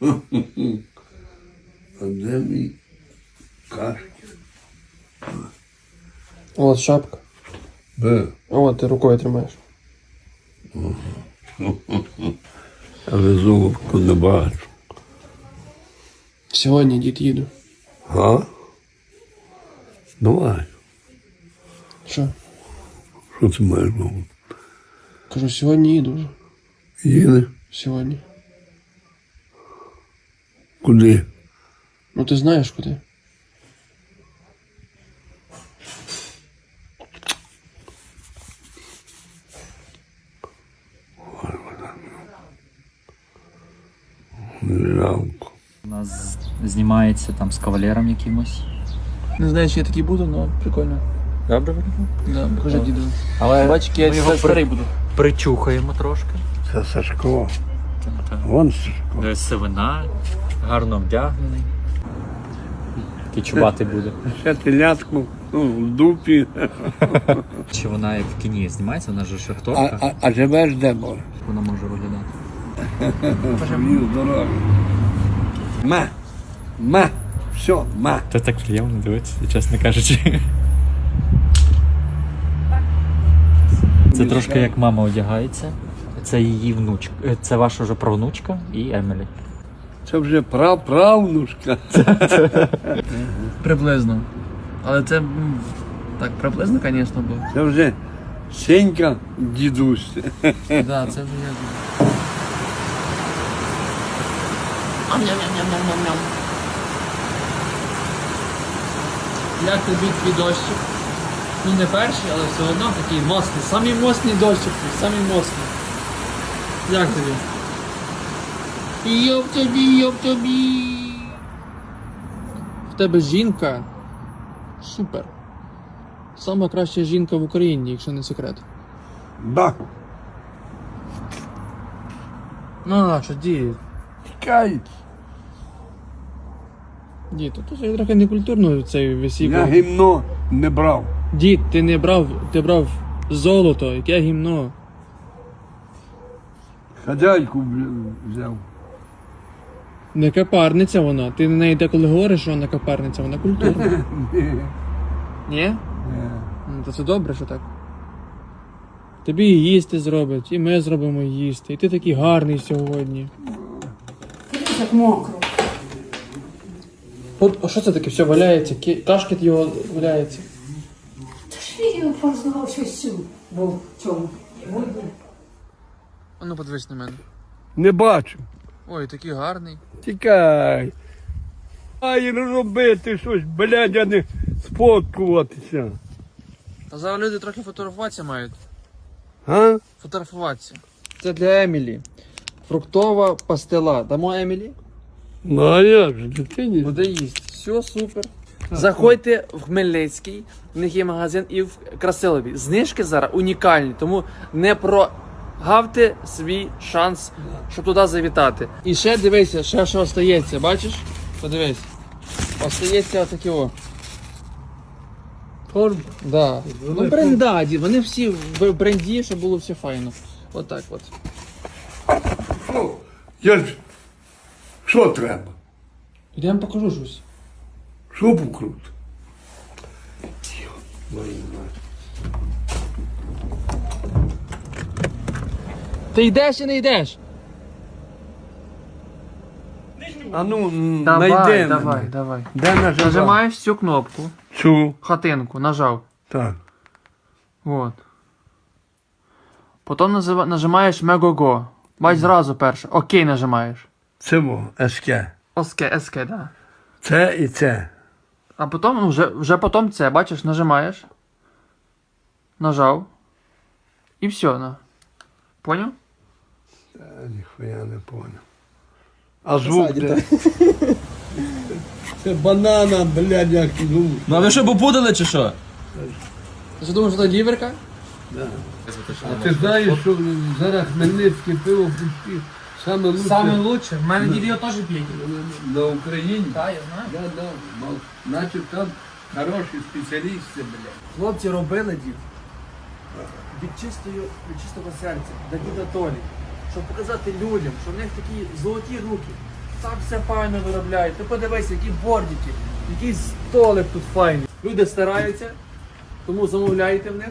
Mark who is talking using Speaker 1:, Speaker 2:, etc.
Speaker 1: А де мій кашки?
Speaker 2: От шапка.
Speaker 1: Б.
Speaker 2: От ти рукою тримаєш.
Speaker 1: Але золотку не бачу.
Speaker 2: Сьогодні, дід, їду.
Speaker 1: А? Давай.
Speaker 2: Що?
Speaker 1: Що ти маєш на увазі?
Speaker 2: Кажу, сьогодні їду вже.
Speaker 1: Їде?
Speaker 2: Сьогодні.
Speaker 1: Куди?
Speaker 2: Ну ти знаєш куди.
Speaker 1: Жалко.
Speaker 3: У нас знімається там з кавалером якимось.
Speaker 2: Не знаю, чи я такий буду, але прикольно.
Speaker 3: Добре виглядає?
Speaker 2: Да, покажи діду.
Speaker 3: Але
Speaker 2: Бач, я старий буду.
Speaker 3: причухаємо трошки.
Speaker 1: Це Сашко. Вон Сашко.
Speaker 3: Сивина, гарно вдягнений. Такий чубатий буде.
Speaker 1: Ще телятку в дупі.
Speaker 3: Чи вона як в кіні знімається, вона ж шахторка,
Speaker 1: А живеш де, Боже?
Speaker 3: вона може виглядати.
Speaker 1: Мені здоров'я. Все,
Speaker 3: Це так приємно дивитися, чесно кажучи. Це трошки як мама одягається. Це її внучка. Це ваша вже правнучка і Емілі.
Speaker 1: Це вже правнушка.
Speaker 2: Приблизно. Але це, так, приблизно, звісно, було.
Speaker 1: Це вже Сенька дідусь.
Speaker 2: Да, це вже я. Як тобі твій дощик? Ну не перший, але все одно такий моцний. Самий моцний дощик, самий моцний. Як тобі? Йоп тобі, йоп тобі. В тебе жінка. Супер. Сама краща жінка в Україні, якщо не секрет.
Speaker 1: Да.
Speaker 2: Ну, а що, дід?
Speaker 1: Тікай.
Speaker 2: Дід, то це трохи некультурно цей весів.
Speaker 1: Я гімно не брав.
Speaker 2: Дід, ти не брав, ти брав золото, яке гімно.
Speaker 1: Хазяйку взяв.
Speaker 2: Не капарниця вона. Ти на неї деколи говориш, що вона капарниця, вона культурна. Ні? Ну, то це добре, що так. Тобі і їсти зроблять, і ми зробимо їсти. І ти такий гарний сьогодні.
Speaker 4: Як мокро.
Speaker 2: От, а що це таке? Все валяється, кашкет його валяється.
Speaker 4: Та ж він познавав щось цю. Був в цьому.
Speaker 2: А ну подивись на мене.
Speaker 1: Не бачу.
Speaker 2: Ой, такий гарний.
Speaker 1: Тікай. Ай, робити щось, блядь, а не сфоткуватися.
Speaker 2: Та зараз люди трохи фотографуватися мають.
Speaker 1: А?
Speaker 2: Фотографуватися. Це для Емілі. Фруктова пастила. Дамо Емілі?
Speaker 1: Ну а як же, дитині?
Speaker 2: Буде їсти. Все, супер. Заходьте в Хмельницький, в них є магазин, і в Красилові. Знижки зараз унікальні, тому не прогавте свій шанс, щоб туди завітати. І ще дивися, ще що остається, бачиш? Подивись. Остається отакі о.
Speaker 1: Форм.
Speaker 2: Да. Ну брендаді, вони всі в бренді, щоб було все файно. Отак от.
Speaker 1: Я ж... Що треба?
Speaker 2: Я вам покажу щось.
Speaker 1: Що покрут?
Speaker 2: Ти йдеш чи не йдеш?
Speaker 1: А ну,
Speaker 2: Давай,
Speaker 1: найди
Speaker 2: давай,
Speaker 1: мене.
Speaker 2: давай.
Speaker 1: Де нажимав?
Speaker 2: Нажимаєш цю кнопку,
Speaker 1: Цю.
Speaker 2: хатинку, нажав.
Speaker 1: Так.
Speaker 2: Вот. Потім нажимаєш Мегого. Бач зразу перше. Окей нажимаєш.
Speaker 1: Це во, СК.
Speaker 2: СК, да.
Speaker 1: Це і це.
Speaker 2: А потім, ну, вже потім це, бачиш, нажимаєш. Нажав. І все, на. Поняв?
Speaker 1: Ніхуя не понял. А звук де? Це банана, блядь, як ну.
Speaker 5: Ну а ви що попутали чи що?
Speaker 2: Ти що думаєш, що це ліверка?
Speaker 1: А ти знаєш, що зараз хмельницьке пиво пусті саме лучше
Speaker 2: лучше. В мене дід його теж п'є.
Speaker 1: на Україні?
Speaker 2: Так, я знаю.
Speaker 1: Да. Значить там хороші спеціалісти, блядь.
Speaker 2: Хлопці робили дід. Від чистого серця, до діда Толі. Щоб показати людям, що в них такі золоті руки. Так все файно виробляють. Ти подивись, які бордики, який столик тут файний. Люди стараються, тому замовляйте в них.